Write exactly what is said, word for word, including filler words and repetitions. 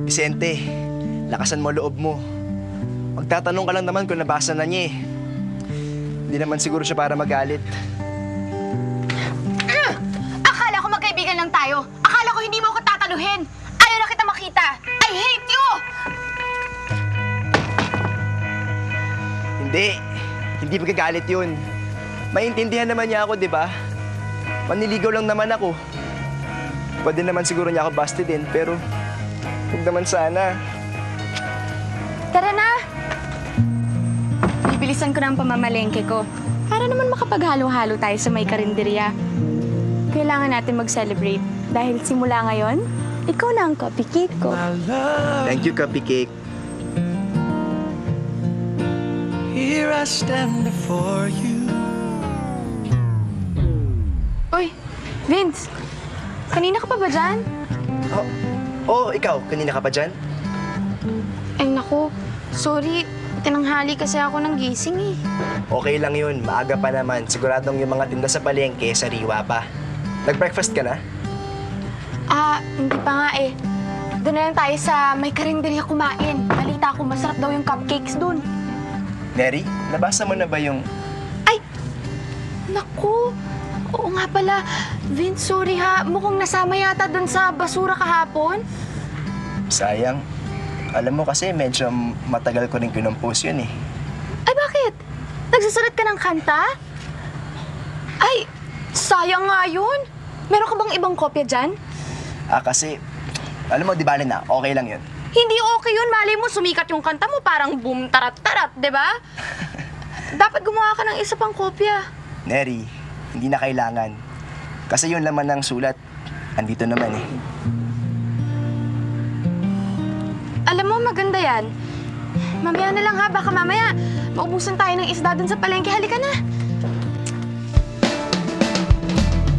Vicente, lakasan mo loob mo. Magtatanong ka lang naman kung nabasa na niya eh. Hindi naman siguro siya para magalit. Mm! Akala ko magkaibigan lang tayo. Akala ko hindi mo ako tataluhin. Ayaw na kita makita. I hate you! Hindi. Hindi magagalit yun. Maintindihan naman niya ako, di ba? Maniligaw lang naman ako. Pwede naman siguro niya ako bastidin, pero huwag naman sana. Tara na! Bibilisan ko na ang pamamalengke ko. Para naman makapaghalo-halo tayo sa may karinderya. Kailangan natin mag-celebrate. Dahil simula ngayon, ikaw na ang cupcake ko. Thank you, Cupcake. Here I stand before you. Uy, Vince! Kanina ka pa ba dyan? Oh, oh, ikaw, kanina ka pa dyan? Ay naku, sorry. Tinanghali kasi ako ng gising eh. Okay lang yun, maaga pa naman. Siguradong yung mga tinda sa palengke, sariwa pa. Nag-breakfast ka na? Ah, hindi pa nga eh. Doon na lang tayo sa may karinderya kumain. Balita ko, masarap daw yung cupcakes doon. Neri, nabasa mo na ba yung... Ay! Naku! Oo nga pala. Vince, sorry ha. Mukhang nasama yata doon sa basura kahapon. Sayang. Alam mo kasi medyo matagal ko rin kinompose yun eh. Ay, bakit? Nagsusulat ka ng kanta? Ay, sayang nga yun. Meron ka bang ibang kopya dyan? Ah, kasi, alam mo, di bale na, okay lang yun. Hindi okay yun. Malay mo, sumikat yung kanta mo. Parang boom, tarat-tarat, di ba? Dapat gumawa ka ng isa pang kopya. Neri, hindi na kailangan. Kasi yun laman ng sulat, andito naman eh. Alam mo, maganda yan. Mamaya na lang ha. Baka mamaya maubusan tayo ng isda dun sa palengke. Halika na.